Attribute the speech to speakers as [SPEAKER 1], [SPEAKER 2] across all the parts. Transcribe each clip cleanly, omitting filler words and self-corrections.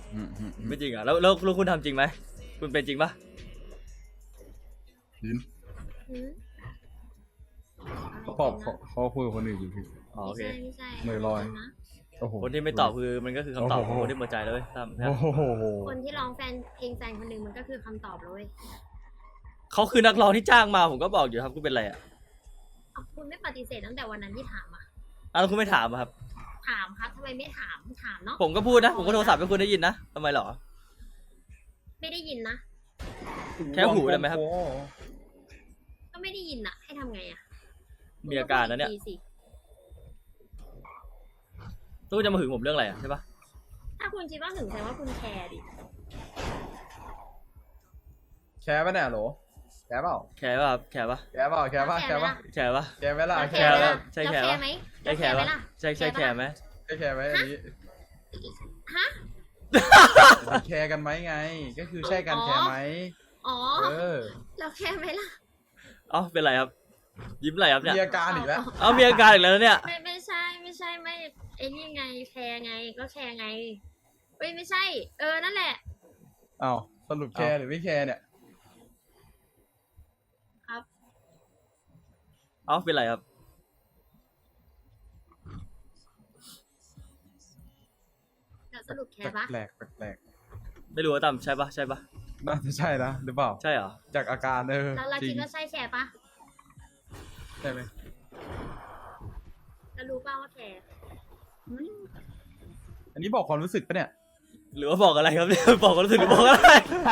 [SPEAKER 1] ไม่จริงอ่ะแล้วคุณทำจริงไหมคุณเป็นจริงปะ
[SPEAKER 2] ลิ้น เขาคุยกับคนอื่นอยู่พี่
[SPEAKER 1] อ๋อโอเค
[SPEAKER 3] ไม่ใช่
[SPEAKER 2] มือลอย โอ้โห
[SPEAKER 1] คนที่ไม่ตอบคือมันก็คือคำตอบของคนที่หมดใจเลยตั้ม
[SPEAKER 2] โอ้โห
[SPEAKER 3] คนที่ร้องเพลงแฟนคนหนึ่งมันก็คือคำตอบเลย
[SPEAKER 1] เขาคือนักร้องที่จ้างมาผมก็บอกอยู่ครับคุณเป็นไรอ่ะ
[SPEAKER 3] คุณไม่ปฏิเสธตั้งแต่วันนั้นที่ถามอ่ะ
[SPEAKER 1] แล้วคุณไม่ถามอะครับ
[SPEAKER 3] ถามครับทำไมไม่ถามเนาะ
[SPEAKER 1] ผมก็พูดนะผมก็โทรศัพท์ให้คุณได้ยินนะทำไมหรอ
[SPEAKER 3] ไม่ได้ยินนะ
[SPEAKER 1] แค่หูได้ไหมครับ
[SPEAKER 3] ก็ไม่ได้ยินอ่ะ ให้ทำไงอ่ะ
[SPEAKER 1] มีอาการนะเนี่ย
[SPEAKER 3] คุณก็พูดอีกทีสิ
[SPEAKER 1] แล้วคุณจะมาหึงผมเรื่องอะไรอ่ะใช่ปะ
[SPEAKER 3] ถ้าคุณคิดว่าถึงแสดงว่าคุณแคร์ดิ
[SPEAKER 2] แคร์ป่ะเนี่ยโหลแคร์เปล่า
[SPEAKER 1] แคร์ป่ะครับแคร์ป่ะ
[SPEAKER 2] แคร์เปล่าแคร์ป่ะแคร์ป่ะ
[SPEAKER 1] แคร์ป่ะ
[SPEAKER 2] แคร์ไหมล่ะ
[SPEAKER 3] แล้ว
[SPEAKER 2] แคร์
[SPEAKER 3] ไหม
[SPEAKER 2] ป่ะ
[SPEAKER 1] ใช่
[SPEAKER 3] แล้ว
[SPEAKER 1] แคร์
[SPEAKER 3] แค
[SPEAKER 1] ปะ
[SPEAKER 3] ร์ไหม
[SPEAKER 1] ใช่แคร์
[SPEAKER 3] ไหม
[SPEAKER 1] ป่ะ
[SPEAKER 3] ล่ะ
[SPEAKER 1] ใช่แคร์ไหม
[SPEAKER 2] ได้แคร์ไหมอันนี้
[SPEAKER 3] ฮะ
[SPEAKER 2] แคร์กันไหมไง ก็คือใช่กันแคร์ไหม
[SPEAKER 3] อ๋อ
[SPEAKER 2] เออ
[SPEAKER 3] แล้วแคร์ไหมล่ะ
[SPEAKER 1] เอ้าเป็นไรครับ ยิ้มอะไรครับเนี่ย
[SPEAKER 2] มีอาการอีกแล้ว
[SPEAKER 1] เอ้ามีอาการอีกแล้วเนี่ย
[SPEAKER 3] ไม่ใช่ไม่ไอ้นี่ไงแคร์ไงก็แคร์ไงเฮ้ยไม่ใช่ นั่นแหละ
[SPEAKER 2] อ้าวสรุปแคร์หรือไม่แคร์เนี่ย
[SPEAKER 3] ครับ
[SPEAKER 1] เอ้าเป็นไรครับ
[SPEAKER 3] แล้วสรุปแคร์ปะ
[SPEAKER 2] แปลกแปลก
[SPEAKER 1] ไม่รู้ว่าตั้มใช่ปะใช่ปะ
[SPEAKER 2] น่าจะใช่นะหรือเปล่า
[SPEAKER 1] ใช่เหรอ
[SPEAKER 2] จากอาการ
[SPEAKER 3] แล้วเรา
[SPEAKER 2] จริ
[SPEAKER 3] คิด
[SPEAKER 2] ง
[SPEAKER 3] ว่าใช่แคร์ปะ
[SPEAKER 2] ใช่ไหม
[SPEAKER 3] แล้วรู้ป่าว่าแคร์
[SPEAKER 2] อันนี้บอกความรู้สึกปะเนี่ย
[SPEAKER 1] หรือว่าบอกอะไรครับเนี่ย บอกความรู้สึกหรือบอกอะไร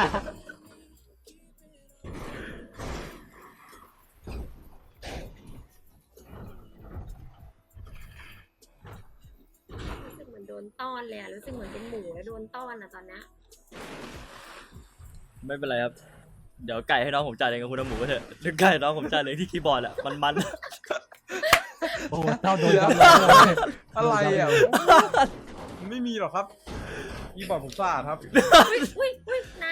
[SPEAKER 3] รู้สึกเหมือนโดนต้อนเลยอะรู้สึกเหมือนเป็นหมูแล้วโดนต้อนอะตอนเนี้ย
[SPEAKER 1] ไม่เป็นไรครับ เดี๋ยวไก่ให้น้องผมจ่ายเองกับคุณน้ำหมูก็เถอะเดี๋ยวไก่น้องผมจ่ายเองที่คีย์บอร์ดอะมัน
[SPEAKER 4] โอ้เจ้าโดน
[SPEAKER 2] เดี๋ยว
[SPEAKER 4] จำเลย
[SPEAKER 2] อะไรอ่ะมันไม่มีหรอกครับอีบอร์ดผมสะอาดครับ
[SPEAKER 3] อุ้ยน้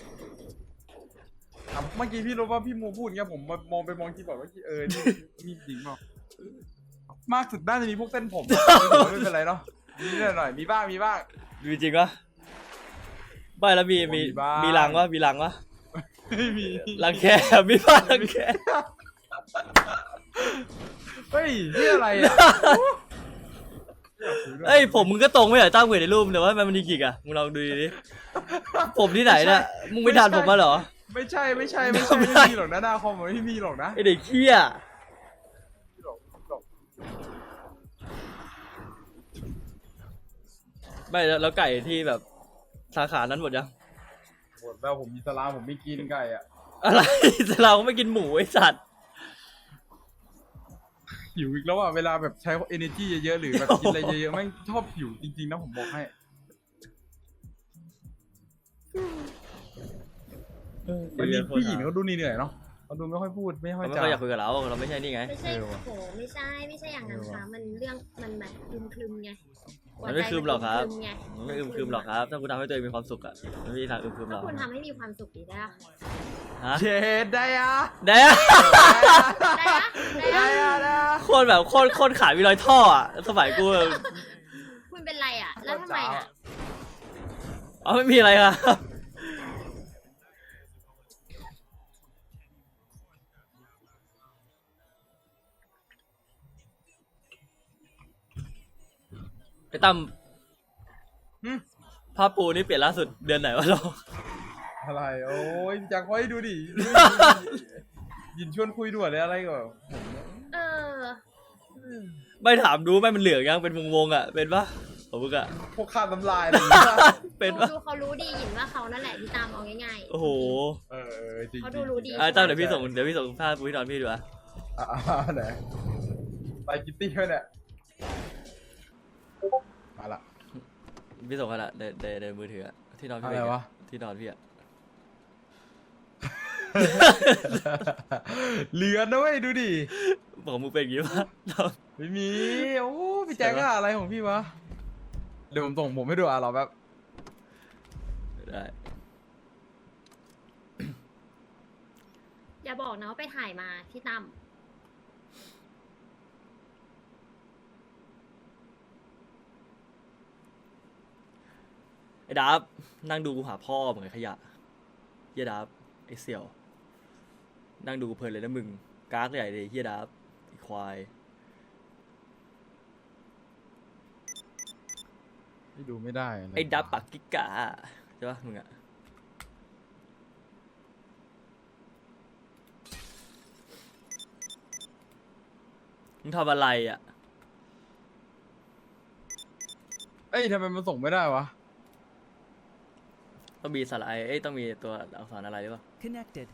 [SPEAKER 2] อ่ะเมื่อกี้พี่รู้ว่าพี่มูพูดเงี้ยผมมองไปมองคีย์บอร์ดว่านี่มีจริงเปล่ามากสุดน่าจะมีพวกเส้นผมไม่เป็นไรเนาะมีนิดหน่อยมีบ้าง
[SPEAKER 1] มีจริงปะไม่แล้วมี
[SPEAKER 2] บ้าง
[SPEAKER 1] มีรังวะมีรังวะ
[SPEAKER 2] ไม่มี
[SPEAKER 1] รังแคมีบ้างรังแค
[SPEAKER 2] เฮ้ยนี่อะไรอ่ะ
[SPEAKER 1] เอ้ยผมมึงก็ตรงไม่เหรอตั้งเวทในรูปแต่ว่ามันดีกี่อะมึงลองดูดิผมที่ไหนเนี่ยมึงไม่ทันผมมาเหรอ
[SPEAKER 2] ไม่ใช่ไม่มีหรอกนะหน้าคอมมันไม่มีหรอกนะ
[SPEAKER 1] ไอเด็กเขี้ยไม่แล้วไก่ที่แบบสาขานั้นหมดยัง
[SPEAKER 2] หมดแล้วผมมีสลามผมไม่กินไก่อ่ะ
[SPEAKER 1] อะไร เราก็ไม่กินหมูไอสัตว์
[SPEAKER 2] หิวอีกแล้วอ่ะเวลาแบบใช้ energy เยอะๆหรือแบบกินอะไรเยอะๆแม่งชอบหิวจริงๆนะผมบอกให้วันนี้ผู้หญิงเขาดูเหนื่อยๆเนาะเขาดูไม่ค่อยพูดไม่ค่อย
[SPEAKER 1] เขาไม่
[SPEAKER 2] จา
[SPEAKER 1] ค่อยอยากคุยกับเราไม่ใช่นี่ไง
[SPEAKER 3] ำไม่ใช่
[SPEAKER 2] เออว่ะ
[SPEAKER 3] โหไม่ใช่อย่างนั้นค่ะมันเรื่องมันแบบคลึมไง
[SPEAKER 1] มันไม่คลึมหรอกครับ
[SPEAKER 3] หัวใจมัน
[SPEAKER 1] มันไม่อึมครึมหรอกครับ ถ้าคุณทำให้ตัวเองมีความสุขอะมันไม่มีทางอึมครึมหร
[SPEAKER 3] ถ้า
[SPEAKER 1] อก
[SPEAKER 3] คุณทำให้มีความสุขดีได้ปะ
[SPEAKER 1] ฮะ
[SPEAKER 2] เชดได้อะ
[SPEAKER 1] เด้อ
[SPEAKER 3] ได้ปะ
[SPEAKER 2] ได้อะ
[SPEAKER 1] โคตรแบบโคตรขามีรอยท่ออะสมัยกูแบบ
[SPEAKER 3] คุณเป็นไรอ่ะ แล้วทำไมอ่ะ
[SPEAKER 1] อ๋อไม่มีอะไรครับไอ้ตั้มผ้าปูนี่เปลี่ยนล่าสุดเดือนไหนวะเรา
[SPEAKER 2] อะไรโอ้ยอยากให้ดูดิยินชวนคุยด่วนเลยอะไรก่อน
[SPEAKER 3] เออ
[SPEAKER 1] ไม่ถามดูไม่มันเหลืองยังเป็นวงๆอะเป็นปะผมมึงอะ
[SPEAKER 2] พวกข้ามน้ำลายอะไรอย่างเงี้ย
[SPEAKER 1] เป็นปะ
[SPEAKER 3] ดูเขารู้ดีหยินว่าเขานั่นแหละที่ตามเอาง่าย
[SPEAKER 1] โอ้โห
[SPEAKER 2] จริง
[SPEAKER 3] เขาดูรู้ดี
[SPEAKER 1] ตั้มเดี๋ยวพี่ส่งภาพปูที่นอนพี่ดูอะ
[SPEAKER 2] ไหนไปกิตตี้เขาเนี่ยมาละ
[SPEAKER 1] พี่ส่งกันอะในมือถืออะที่นอนพี่
[SPEAKER 2] อะไรวะ
[SPEAKER 1] ที่นอนพี่อะ
[SPEAKER 2] เหลือนะเว้ยดูดิ
[SPEAKER 1] บอกมึงเป็นอย่างงี้ปะ
[SPEAKER 2] ไม่มีโอ้พี่แจ็คอะอะไรของพี่วะเดี๋ยวผมส่งผมให้ดูรอแป๊บ
[SPEAKER 1] ได้
[SPEAKER 3] ๆอย่าบอกนะว่าไปถ่ายมาที่ตั้ม
[SPEAKER 1] ไอ้ดับนั่งดูกูหาพ่อเหมือนขยะเฮียดับไอ้เสี่ยวนั่งดูกูเพลินเลยนะมึงกากใหญ่เลยเฮียดับไอ้ควาย
[SPEAKER 2] ไม่ดูไม่ได้นะ
[SPEAKER 1] ไอ้ดับปากกิกะใช่ปะมึงอะมึงทำอะไรอะ
[SPEAKER 2] เอ้ยทำไมมันส่งไม่ได้วะ
[SPEAKER 1] ต้องมีสระไอเอ้ยต้องมีตัวอักษรอะไรหรือเปล่า
[SPEAKER 5] Connected.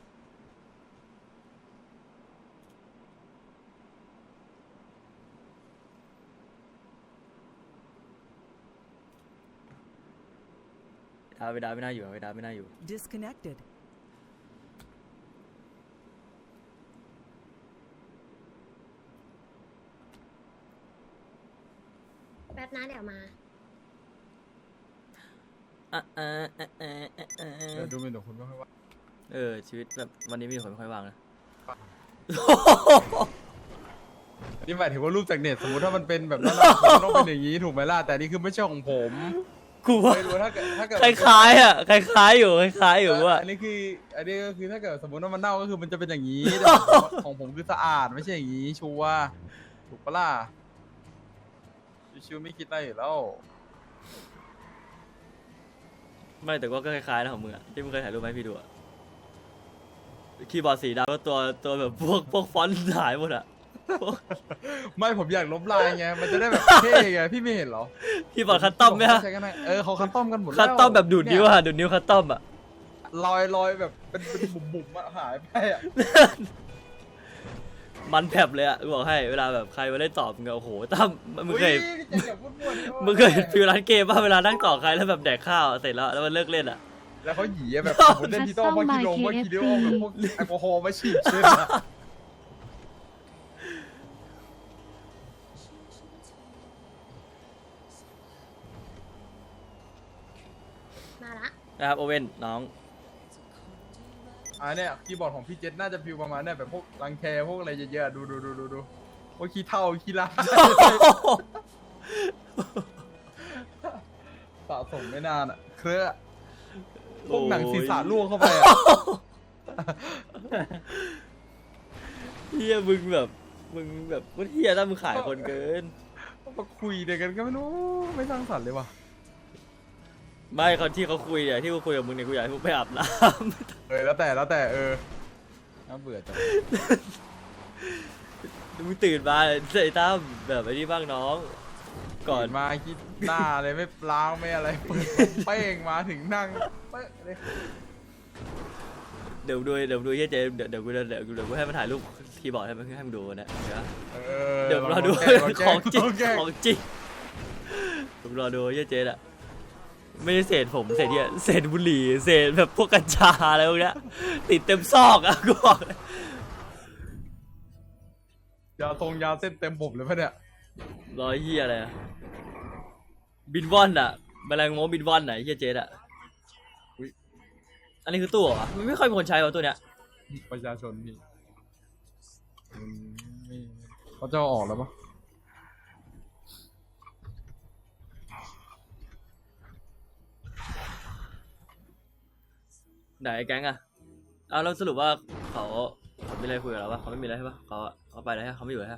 [SPEAKER 1] เวลาไม่น่าอยู่เวลาไม่น่าอยู่
[SPEAKER 5] Disconnected.
[SPEAKER 3] แป๊บนะเดี๋ยวมา
[SPEAKER 2] เดี๋ยวดูเป็นเดี๋ยวคุณไม่ค่อยว่า
[SPEAKER 1] ชีวิตแบบวันนี้มีคนไม่ค่อยว่างนะ
[SPEAKER 2] นี่หมายถึงว่ารูปจากเน็ตสมมติถ้ามันเป็นแบบนั้นอะมันต้องเป็นอย่างนี้ถูกไหมล่ะแต่นี่คือไม่ใช่ของผม
[SPEAKER 1] กูว่า
[SPEAKER 2] ไม่รู้ถ้าเกิด
[SPEAKER 1] คล้ายๆอ่ะคล้ายๆอยู่ว่า
[SPEAKER 2] อันนี้ก็คือถ้าเกิดสมมติว่ามันเน่าก็คือมันจะเป็นอย่างนี้แต่ของผมคือสะอาดไม่ใช่อย่างนี้ชัวร์ถูกปะล่ะชิวๆไม่คิดอะไรอยู่แล้ว
[SPEAKER 1] ไม่แต่ก็คล้ายๆนะของมึงอ่ะที่มึงเคยถ่ายรูปไหมพี่ดูอ่ะคีย์บอร์ดสีดำก็ตัวแบบพวกฟอนต์หายหมดอ่ะ
[SPEAKER 2] ไม่ผมอยากลบลายไงมันจะได้แบบเท่ไงพี่ไม่เห็นเหรอ
[SPEAKER 1] คีย์บอร์ดคัสตอมไหมฮะ
[SPEAKER 2] ใช้กันได้เขาคัสตอมกันหมดแล้ว
[SPEAKER 1] คัสตอมแบบดูดนิ้วอะดูดนิ้วคัสตอมอ่ะ
[SPEAKER 2] รอยแบบเป็นบุ๋มๆอะหายไปอะ
[SPEAKER 1] มันแผลบเลยอ่ะกูบอกให้เวลาแบบใครมาเล่นตอบมึงก็โอ้โหตั้มมึงเคย
[SPEAKER 2] อุ๊อย่าพูดมั่วดิ
[SPEAKER 1] มึงเคยเห็นฟิวร้านเกมป่ะเวลานั่งต่อใครแล้วแบบแดกข้าวเสร็จแล้วมันเลิกเล่นอ่ะ
[SPEAKER 2] แล้วเขาหยีอะแบบสมมติเล่นที่ต้องว่ากิโลว่ากิโลแบบพวกแอลกอฮอล์มาฉีดเช่นอะ
[SPEAKER 3] มาละ
[SPEAKER 1] นะครับโอเว่นน้อง
[SPEAKER 2] เนี่ยคีย์บอร์ดของพี่เจษน่าจะฟิวประมาณเนี่ยแบบพวกรังแคพวกอะไรเยอะๆดูพวกขี้เท่าขี้ลาสะสมไม่นานอะเครือพวกหนังศีรษะล่วงเข้าไปอะ
[SPEAKER 1] เฮียมึงแบบก็เฮียถ้ามึงขายคนเกิน
[SPEAKER 2] มาคุยเดี๋ยวกันก็ไม่รู้ไม่สร้างสรรค์เลยว่ะ
[SPEAKER 1] ไม่คนที่เขาคุยเนี่ยที่กูคุยกับมึงเนี่ยกูอยากให้มึงไปอาบน้
[SPEAKER 2] แล้วแต่น่าเบื่อจัง
[SPEAKER 1] ำมึงตื่นมาใส่ตั้มแบบไอ้นี่บ้างน้อง ก่อน
[SPEAKER 2] มาคิดหน้าเลยไม่ล้างไม่อะไรเปิดเป้งมาถึงนั่งเป๊ะเลย
[SPEAKER 1] เดี๋ยวดูเฮียเจเดี๋ยวกูให้มันถ่ายรูปคีย์บอร์ดให้มึงดูนะเดี๋ยวรอดูของจริงผมรอดูเฮียเจอ่ะไม่ใช่เศษผมเศษเฮียเศษบุหรี่เศษแบบพวกกัญชาอะไรพวกเนี้ยติดเต็มซอกอ่ะกูบอกเลย
[SPEAKER 2] ยาเส้นเต็มผมเลยปะเนี่ย
[SPEAKER 1] รอยเฮียอะไรอะบินว่อนอ่ะแมลงโมบินว่อนไหนเฮียเจอ่ะอันนี้คือตู้เหรอมันไม่ค่อยมีคนใช้ว่ะตัวเนี้ย
[SPEAKER 2] ประชาชนพี่ไม่เขาจะเอาออกแล้วปะ
[SPEAKER 1] ไหนแก๊งอะเอาแล้วสรุปว่าเขาไม่อะไรคุยกับเราปะเขาไม่มีอะไรใช่ปะเขาไปแล้วฮะเขาไม่อยู่แล้วฮะ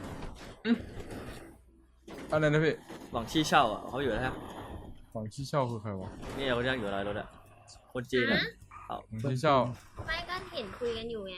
[SPEAKER 2] อะไรนะพี่
[SPEAKER 1] หวังชี้เช่าอ่ะเขาอยู่แล้วฮะ
[SPEAKER 2] ฝั่งชี้เช่าคือใครวะ
[SPEAKER 1] นี่เขาย่างอยู่อะไรรถอะคนจีนอะเอา
[SPEAKER 2] ฝั่งชี้เช่า
[SPEAKER 3] ไม่ก็เห็นคุยกันอยู่ไง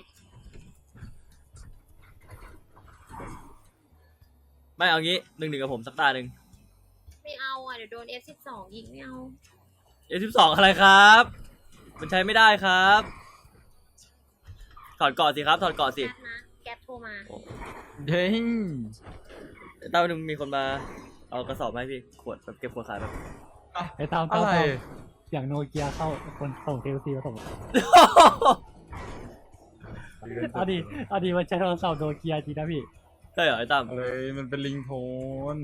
[SPEAKER 1] ไม่เอางี้1-1กับผมสักตาหนึ่ง
[SPEAKER 3] ไม่เอาอ่ะเดี๋ยวโดน F12 ยิงไม่เอา
[SPEAKER 1] F12อะไรครับ มันใช้ไม่ได้ครับถอดเกาะสิครับถอดเกาะสิ
[SPEAKER 3] แก๊ปนะแก๊ปโทรมา
[SPEAKER 2] เด้ง
[SPEAKER 1] ตอนนึงมีคนมาเอากระสอบมาให้พี่ขวดแบบเก็บขวดขายแบบ
[SPEAKER 4] ไอ้ตาม
[SPEAKER 2] อะไร
[SPEAKER 4] อย่างโนเกียเข้าคนส่งเทลซีมาส่งเอาดีมันใช้โทรศัพท์โนเกียจริงนะพี่
[SPEAKER 1] ใช่เหรอไอ้ตั้ม
[SPEAKER 2] อะไรมันเป็นลิงโทน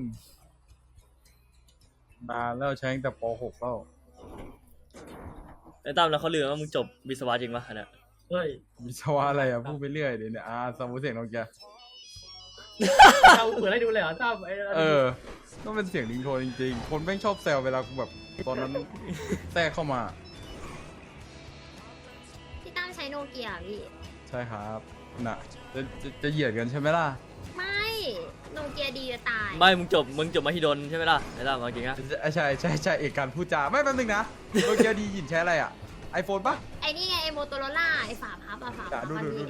[SPEAKER 2] นานแล้วใช้ตั้งแต่ป .6 แล้ว
[SPEAKER 1] ไอ้ตั้มแล้วเขาลือว่ามึงจบวิศวะจริงปะอันเนี้ย
[SPEAKER 4] เฮ้ย
[SPEAKER 2] วิศวะอะไรอ่ะพูดไปเรื่อยเดี๋ยวเนี่ยสมมติเสียงนกแก
[SPEAKER 4] เราเปิดให้ดูเลยเหรอตั้มไอ้
[SPEAKER 2] ต้องเป็นเสียงลิงโทนจริงๆ คนแม่งชอบแซวเวลากูแบบตอนนั้นแทรกเข้ามา
[SPEAKER 3] พี่ตั้มใช้โนเกียพี่
[SPEAKER 2] ใช่ครับน่ะจะเหยียดกันใช่ไหมล่ะ
[SPEAKER 3] ไม่โนเกียดีจะตาย
[SPEAKER 1] ไม่มึงจบมหิดลใช่ไหมล่ะไอ้ตั้มเอาจริงนะ
[SPEAKER 2] ใช่เอกการพูดจาไม่แป๊บนึงนะโนเกียดีหยินใช้อะไรอ่ะไอโฟนปะ
[SPEAKER 3] ไอ้นี่ไงไอ้โมโตโรล่าไอ้ฝาพับอะฝาพับ
[SPEAKER 2] ดู
[SPEAKER 3] อันนี้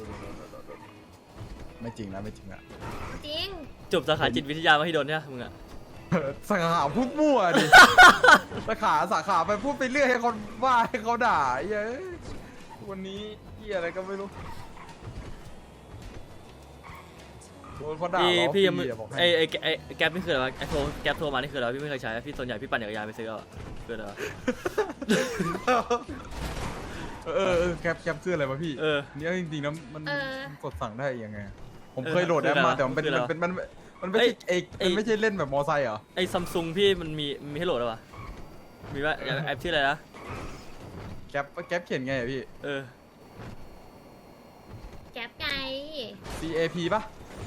[SPEAKER 2] ไม่จริงนะ
[SPEAKER 3] จริง
[SPEAKER 1] จบสาขาจิตวิทยามหิดลใช่ไหมมึงอะ
[SPEAKER 2] สาขาพูดมั่วดิสาขาไปพูดไปเรื่อยให้คนว่าให้เขาด่าเย้ยวันนี้เหี้ยอะไรก็ไม่รู้โดนเขาด่า
[SPEAKER 1] พี่ยังไม่
[SPEAKER 2] บอก
[SPEAKER 1] ไอ้
[SPEAKER 2] ให้
[SPEAKER 1] แก๊ปนี่คืออะไรวะไอ้แก๊ปโทรมานี่คืออะไรวะพี่ไม่เคยใช้พี่ส่วนใหญ่พี่ปั่นจักรยานไปซื้อเอาอะคืออะไรวะ
[SPEAKER 2] แคปคืออะไรวะพี่ เนี่ยจริงๆนะมันกดสั่งได้ยังไง ผมเคยโหลดแอปมาแต่มันไม่ใช่มันไม่ใช่เล่นแบบมอไซค์เหรอ
[SPEAKER 1] ไอ้ซัมซุงพี่มันมีให้โหลดหรอวะมีว่าแอปชื่ออะไรนะ
[SPEAKER 2] แคปเขียนไงอะพี่
[SPEAKER 3] แก๊ปไง
[SPEAKER 2] CAP ป่ะ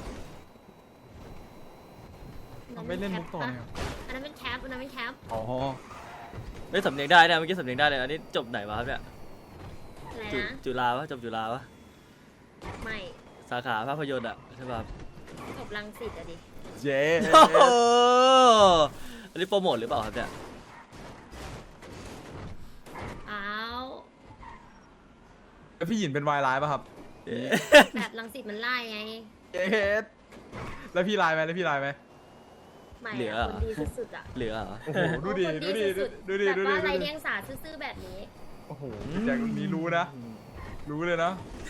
[SPEAKER 2] ไม่เล่นมุกต่อเนี่ย
[SPEAKER 3] อันนั้นเป็นแคปอันนั้นเป็นแคป
[SPEAKER 2] อ๋อ
[SPEAKER 1] ไม่สำเนียงได้นะเมื่อกี้สำเนียงได้เลยอันนี้จบไหนวะครับเนี่ย
[SPEAKER 3] อะไรนะ
[SPEAKER 1] จุฬาปะจบจุฬาปะ
[SPEAKER 3] ไม่
[SPEAKER 1] สาขาภาพยนตร์อะใช่ป่ะ
[SPEAKER 3] จบรังสิตอะดิ
[SPEAKER 2] เจ๊
[SPEAKER 1] โอ้โหอันนี้โปรโมทหรือเปล่าครับเนี่ย
[SPEAKER 3] อ้าว
[SPEAKER 2] แล้วพี่หยินเป็นวายไลน์ป่ะครับ
[SPEAKER 3] แบบรังสิตมันไล่ไง
[SPEAKER 2] เจ๊แล้วพี่ไลน์ไหม
[SPEAKER 3] ไม่
[SPEAKER 1] เหลือ
[SPEAKER 3] อะคนดีสุดๆอะ
[SPEAKER 1] เหลือเหรอ
[SPEAKER 2] โอ้โหดูดิ
[SPEAKER 3] คนสุดๆแบบว่าไรเดียงสาซื่อๆแบบนี้
[SPEAKER 2] โอ้โหแจ็คนี้รู้นะ รู้เลยนะ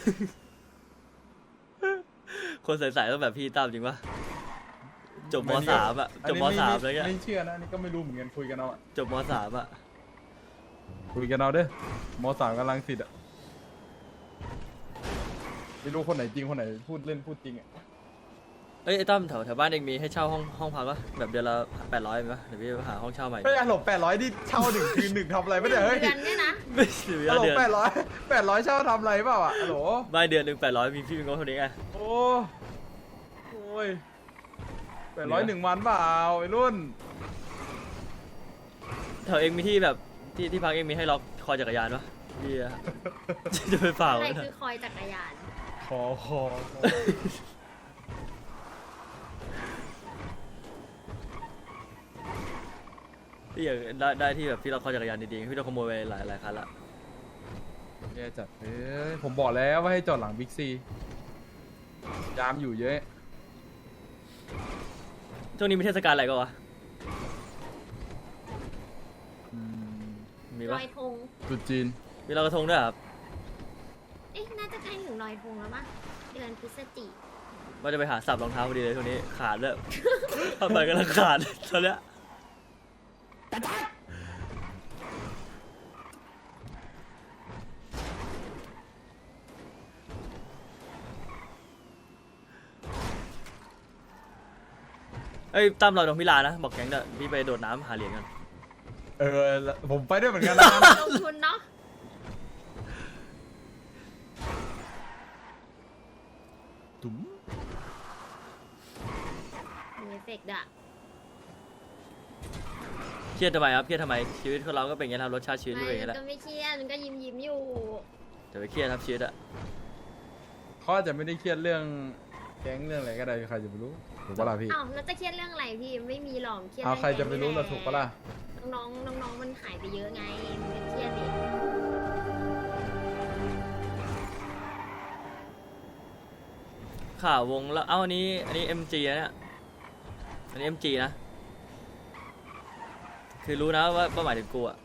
[SPEAKER 1] คนใส่ๆต้องแบบพี่ตั้มจริงปะจบมสามอะจบมสามอะไรเงี้ย
[SPEAKER 2] ไม่เชื่อนะนี่ก็ไม่รู้เหมือนกันคุยกันเอาอะ
[SPEAKER 1] จบมสามอะ
[SPEAKER 2] คุยกันเอาเด้อมสามกำลังสิทธิ์อะไม่รู้คนไหนจริงคนไหนพูดเล่นพูดจริงอะ
[SPEAKER 1] เอ้ยไอ้ตั้มแถวบ้านเองมีให้เช่าห้องพักปะแบบเดือนละ800มีปะเดี๋ยวพี่ไปหาห้องเช่าใหม่
[SPEAKER 2] เฮ้ยหลบ800ที่เช่าหนึ่งคืนหนึ่งทำอะไรไม่ได้เฮ้ย
[SPEAKER 3] เดือนเนี่ยนะ
[SPEAKER 1] ไม่ถึง
[SPEAKER 2] หลบ
[SPEAKER 1] เดือน
[SPEAKER 2] 800เช่าทำอะไรเปล่าอะโหล
[SPEAKER 1] ไม่เดือนหนึ่ง800มีพี่เป็นงบเท่านี้ไง
[SPEAKER 2] โอ้ย800 1 วันเปล่าไอ้รุ่น
[SPEAKER 1] แถวเองมีที่แบบที่พักเองมีให้ล็อกคอจักรยานปะพี่อะ จะไปฝาก
[SPEAKER 3] อะไร
[SPEAKER 1] ไว้นะ
[SPEAKER 3] คือคอยจักรยาน
[SPEAKER 2] คอ
[SPEAKER 1] พี่อยากได้ที่แบบที่เราคอจักรยานดีๆพี่เราขโมยไปหลายคันละ
[SPEAKER 2] แย่จัดเอ้ยผมบอกแล้วว่าให้จอดหลังบิ๊กซียามอยู่เยอะ
[SPEAKER 1] ช่วงนี้มีเทศกาลอะไรก็วะ มี
[SPEAKER 3] ล
[SPEAKER 1] ปะ
[SPEAKER 3] อยธง
[SPEAKER 2] จุดจีน
[SPEAKER 1] มีลอยกระทงด้วยเหรอครับ
[SPEAKER 3] เอ๊ะน่าจะใกล้ถึงลอยธงแล้วมั้งเดือนพฤศจิ
[SPEAKER 1] ว่าจะไปหาสับรองเท้าพอดีเลยช่วงนี้ขาดเลย ทำไปก็แล้วขาดตอนเนี้ยเอ้ยตั้มลอยตรงพิลานะบอกแก๊งเด้อพี่ไปโดดน้ำหาเหรียญกัน
[SPEAKER 2] ผมไปด้วยเหมือนกันนะ
[SPEAKER 3] ลงทุนเนาะ
[SPEAKER 2] ตุ๋ม
[SPEAKER 3] มีเอฟเฟกต์อะ
[SPEAKER 1] เครียดทำไมครับเครียดทำไมชีวิตของเราก็เป็นอย่างนี้ครับรสชาติชีวิตก็เป็นอย่างนี้แห
[SPEAKER 3] ก็
[SPEAKER 1] ละ
[SPEAKER 3] ไม่เครียดมันก็ยิ้มอยู่
[SPEAKER 1] จะไปเครียดครับชีวิตอะ
[SPEAKER 2] เขาอาจจะไม่ได้เครียดเรื่องแก๊งเรื่องอะไรก็ได้ใครจะไปรู้ถูกปะล่ะพี่
[SPEAKER 3] อ้าวแล้วจะเครียดเรื่องอะไรพี่ไม่มีหรอกเครียด
[SPEAKER 2] เอา
[SPEAKER 3] เอง
[SPEAKER 2] ใครจะไปรู้ล่ะถูกปะล่ะ
[SPEAKER 3] น้องๆน้องๆมันหายไปเยอะไงมันเป็นเครียดดิ
[SPEAKER 1] ข่าววงแล้วเอ้าอันนี้MG นะเนี่ยอันนี้ MG นะคือรู้นะว่าหมายถึงกูอะ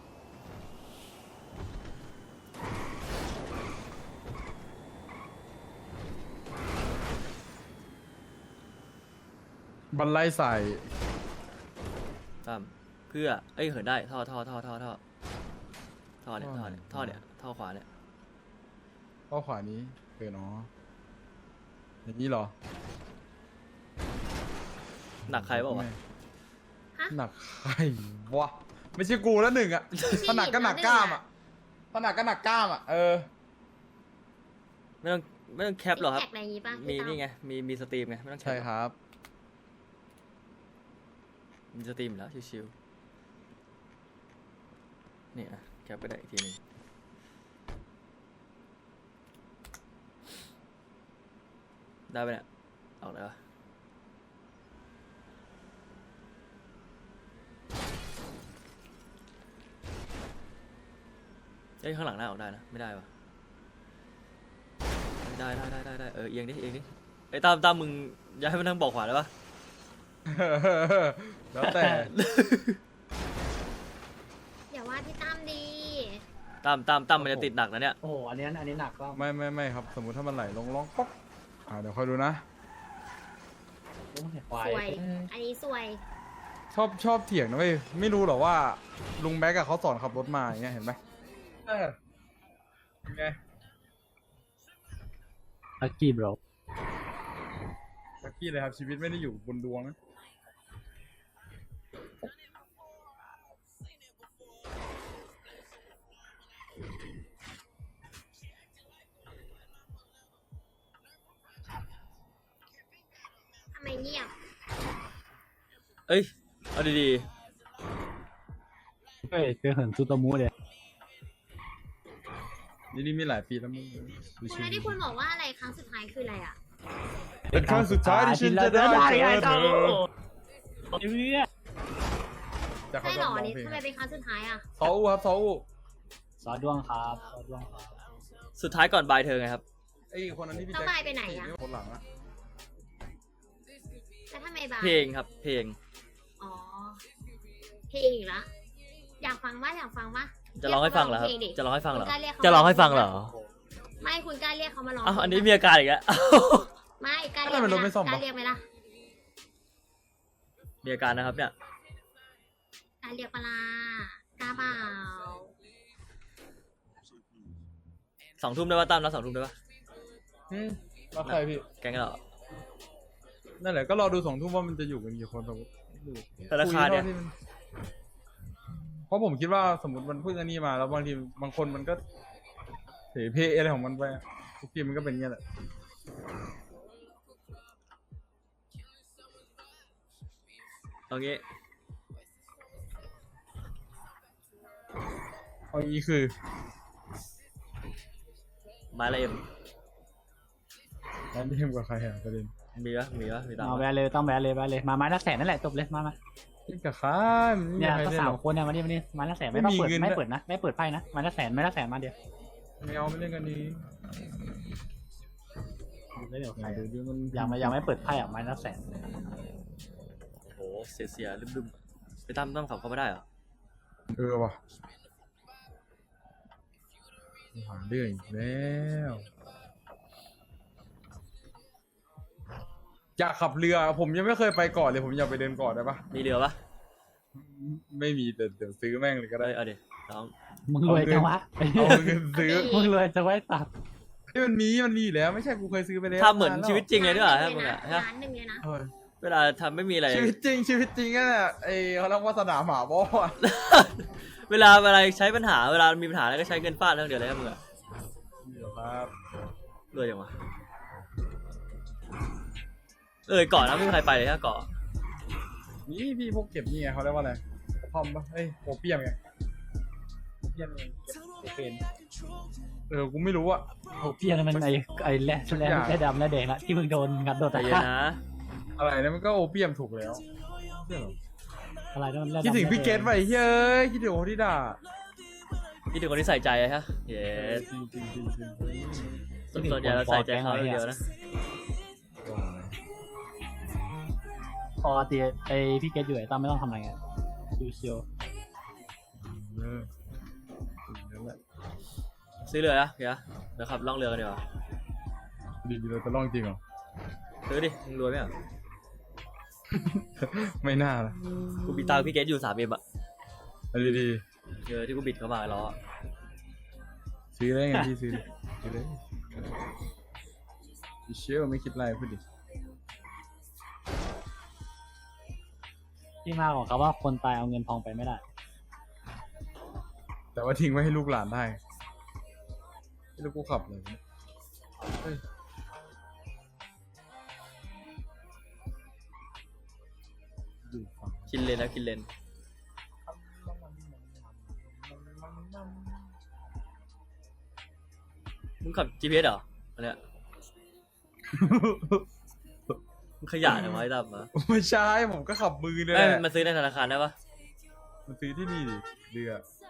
[SPEAKER 2] บันไลใส่
[SPEAKER 1] ตามเพื่อเอ้ยเหินได้ท่อเนี่ยท่อขวาเนี่ย
[SPEAKER 2] ข้อขวานี้เนาะอย่างนี้เหรอ
[SPEAKER 1] หนักใครเปล่าวะ
[SPEAKER 2] หนักใครวะไม่ใช่กูแล้วหนึ่งอะถ้าหนักก็หนักกล้ามอะถ้าหนักก็หนักกล้ามอะ
[SPEAKER 1] ไม่ต้องไม่ต้องแคปหรอกครับ
[SPEAKER 3] แท็กอะไรอย่างงี้ป่ะ
[SPEAKER 1] มี
[SPEAKER 3] พี่ตั้
[SPEAKER 1] นี่ไงมีสตรีมไงไม่ต้องแคป
[SPEAKER 2] ใช่ครับ
[SPEAKER 1] มีสตรีมอยู่แล้วชิวๆนี่อ่ะแคปไปได้อีกทีหนึงได้ไปเนี่ยออกเลยวะเอ้ยข้างหลังหน้าออกได้นะไม่ได้ปะได้เอียงดิไอ้ยตามมึงอย่าให้มันนั่งบอกขวาได้ปะ
[SPEAKER 2] แล้วแต่
[SPEAKER 3] อย่าว่าพี่ตั้มดี
[SPEAKER 1] ตามมันจะติดหนักนะเนี่ย
[SPEAKER 4] โอ้โหอันนี้หนักก็
[SPEAKER 2] ไม่ครับ สมมุติถ้ามันไหลลงร้องป๊อกเดี๋ยวคอยดูนะ
[SPEAKER 4] โอ้ยควาย
[SPEAKER 3] สวย อันนี้สวย
[SPEAKER 2] ชอบเถียงนะเว้ยไม่รู้หรอว่าลุงแบ็กเขาสอนขับรถมาอย่างเงี้ยเห็นไหมไง
[SPEAKER 4] ลักกี้บร
[SPEAKER 2] ลักกี้เลยครับชีวิตไม่ได้อยู่บนดวงนะ
[SPEAKER 3] ทำไมเงียบ
[SPEAKER 1] เอ้ยเอาดี
[SPEAKER 4] เฮ้ยเจอเหินซูโตมูเลย
[SPEAKER 2] นี่มีหลายปีแล้วมึง
[SPEAKER 3] คุณแล้วที่คุณบอกว่าอะไรครั้งสุดท้ายคืออะไรอ่ะ
[SPEAKER 2] เป็นครั้งสุดท้ายที่ฉันจะได้เจอเธอ
[SPEAKER 4] เพื่อ
[SPEAKER 2] จะเขา
[SPEAKER 3] ใช่
[SPEAKER 2] ช
[SPEAKER 3] หร
[SPEAKER 2] อบ
[SPEAKER 3] อ
[SPEAKER 2] ร้อง
[SPEAKER 3] นี่
[SPEAKER 2] เพลง
[SPEAKER 3] ทำไมเป็นครั้งสุดท้ายอ่ะ
[SPEAKER 2] ซออูครับซออู
[SPEAKER 4] ซอดวงครับซอดวงครับ
[SPEAKER 1] ๆสุดท้ายก่อนบายเธอไงครับ
[SPEAKER 2] ไอ้คนนั้นที่พี่
[SPEAKER 3] ต้อง
[SPEAKER 2] แจ็ค
[SPEAKER 3] บายไปไหนอะ
[SPEAKER 2] คนหลังอะ
[SPEAKER 3] แล้วทำไมบาย
[SPEAKER 1] เพลงครับเพลง
[SPEAKER 3] อ๋อ เพลงอีกละอยากฟังว่า
[SPEAKER 1] จะร้องให้ฟังเหรอครับ
[SPEAKER 3] พลดิ
[SPEAKER 1] จะร้องให้ฟังเหรอ
[SPEAKER 3] คุณกล้าเรียกเขา
[SPEAKER 1] จะร้องให้ฟังเหรอ
[SPEAKER 3] ไม่คุณกล้าเรียกเขามาร้อง
[SPEAKER 1] อ้าวอันนี้
[SPEAKER 3] เพลง
[SPEAKER 1] มีอาการอีกแล้ว
[SPEAKER 3] ไม่กล้าเรียกไหมล่ะกล้าเรียกไหมล่ะ
[SPEAKER 1] มีอาการนะครับเนี่ย
[SPEAKER 3] กล้าเรียกปะลากล้าเปล่า
[SPEAKER 1] 2 ทุ่มได้ป่ะตั้มแล้ว2 ทุ่มได้ป่ะ
[SPEAKER 2] แล้วใครพี่
[SPEAKER 1] แกงเหรอ
[SPEAKER 2] นั่นแหละก็รอดู2 ทุ่มว่ามันจะอยู่กันกี่คนสมมติ
[SPEAKER 1] แต่ราคาเนี่ย
[SPEAKER 2] คุท่ที่มัเพราะผมคิดว่าสมมติมันพูดอันนี้มาแล้วบางทีบางคนมันก็เสเพอะไรของมันไปทุกทีมันก็เป็นเงี้ยแหละ
[SPEAKER 1] เอางี้
[SPEAKER 2] เอางี้คือ
[SPEAKER 1] ไม้ละเอ็ม
[SPEAKER 2] แล้วเล่มกับใครอะประเด็น
[SPEAKER 1] มีตัง
[SPEAKER 4] เอา
[SPEAKER 1] ค์
[SPEAKER 4] แวะเลยต้องแวะเลยมาไม้ละแสนนั่นแหละจบเลยมา
[SPEAKER 2] เล่นกับใครมันไม่มี
[SPEAKER 4] เนี่ย
[SPEAKER 2] ใคร
[SPEAKER 4] ก็
[SPEAKER 2] เล่น
[SPEAKER 4] สา
[SPEAKER 2] ห
[SPEAKER 4] ม
[SPEAKER 2] รอก
[SPEAKER 4] คนเนี่ยมาดิไม้ละแสนไม่
[SPEAKER 2] ไม่
[SPEAKER 4] ต้อง
[SPEAKER 2] มี
[SPEAKER 4] เปิด
[SPEAKER 2] เงิน
[SPEAKER 4] ไม่
[SPEAKER 2] ด้วย
[SPEAKER 4] เปิดนะไม่เปิดไพ่นะไม้ละแสนมาเดียว
[SPEAKER 2] ไม่เอาไม่เล่นกันนี้
[SPEAKER 4] ไม่เดี๋ยวใคร
[SPEAKER 2] เดี๋ยวมัน
[SPEAKER 4] ยังไม่เปิดไพ่อ่ะไม้ละแสน
[SPEAKER 1] โอ้โหเสียลืมๆไปตั้มขับเขาไม่ได้เหรอ
[SPEAKER 2] ว่ะหาเรื่องอีกแล้วอยากขับเรือผมยังไม่เคยไปเกาะเลยผมอยากไปเดินเกาะได้ปะ
[SPEAKER 1] มีเรือปะ
[SPEAKER 2] ไม่มีแต่เดี๋ยวซื้อแม่งเลยก็ได้
[SPEAKER 1] เอ้ยเอาดิน้อง
[SPEAKER 4] มึงรวยจังวะ
[SPEAKER 2] เอาเงินซื้อ
[SPEAKER 4] มึงรวยจะไว้ตัด
[SPEAKER 2] ที่มันมีอยู่แล้วไม่ใช่กูเคยซื้อไปแล้ว
[SPEAKER 1] ทำเหมือนชีวิตจริงเลยด้วยเหรอฮะมึงอะฮะ
[SPEAKER 3] ล้านหนึ่งเลยนะ
[SPEAKER 2] เออ
[SPEAKER 1] เวลาทำไม่มีอะไร
[SPEAKER 2] ชีวิตจริงนั่นแหละไอเขาเรียกว่าสนามหมาบ่อะ
[SPEAKER 1] เวลาใช้ปัญหาเวลามีปัญหาอะไรก็ใช้เงินฟาดเท่าเดียวเลยครับมึงอะ
[SPEAKER 2] เดี๋ยวครับ
[SPEAKER 1] รวยจังวะเกาะนะไม่มีใครไปเลยฮะเกาะ
[SPEAKER 2] นี่พี่พวกเก็บนี่ไงเขาเรียกว่าอะไรพอมปะเอ้ยโอเปียมไงโอเปียมไงเก็บเป็นกูไม่รู้อะ
[SPEAKER 4] โอ้พี่นั่นมันไอ้แร่ดำแร่แดงละที่มึงโดนงัดโดน
[SPEAKER 1] ใจเย็นนะ
[SPEAKER 2] อะไรนะมันก็โอเปียมถูกแล้วเชื่อเหรอ
[SPEAKER 4] อะไรนั่นแร่ดำ
[SPEAKER 2] คิดถึงพี่เกตไปเฮ้ยคิดถึงโอที่ด่า
[SPEAKER 1] พี่ถึงคนที่ใส่ใจอะฮะเย้
[SPEAKER 2] จริง
[SPEAKER 1] ส่วนใหญ่เราใส่ใจเขาอย่างเดียวนะ
[SPEAKER 4] ปกติไอ้พี่เกตอยู่ไอ้ตั้มไม่ต้องทำอะไรไงชิว
[SPEAKER 2] นั่นแหละ
[SPEAKER 1] ซื้อเรือนะเดี๋ยวขับล่องเรือกันดีกว่า
[SPEAKER 2] ดีเราจะลองจริงเหรอ
[SPEAKER 1] ซื้อดิมึงรวยไหมอ่ะ
[SPEAKER 2] ไม่น่าละ
[SPEAKER 1] กูบิดตามพี่เกตอยู่3 เอ็มอ่ะ
[SPEAKER 2] เอาดี
[SPEAKER 1] ที่กูบิดเข้ามาล้อ
[SPEAKER 2] ๆซื้อได้ไงพี่ซื้อเลยพี่เชื่อไม่คิดอะไรพูดดิ
[SPEAKER 4] ที่มาของเขาว่าคนตายเอาเงินทองไปไม่ได้
[SPEAKER 2] แต่ว่าทิ้งไว้ให้ลูกหลานได้ไม่รู้กูขับเลยเฮ้ย
[SPEAKER 1] กินเลนนะกินเลนมึงขับ GPS เหรออันเนี้ย มึงขยะนะไว้ตั้มมา
[SPEAKER 2] ไม่ใช่ผมก็ขับมือเนี่ยแห
[SPEAKER 1] เอ้ย
[SPEAKER 2] ละ
[SPEAKER 1] มันซื้อในธนาคารได้ปะ
[SPEAKER 2] มันซื้อที่นี่ดิเรือ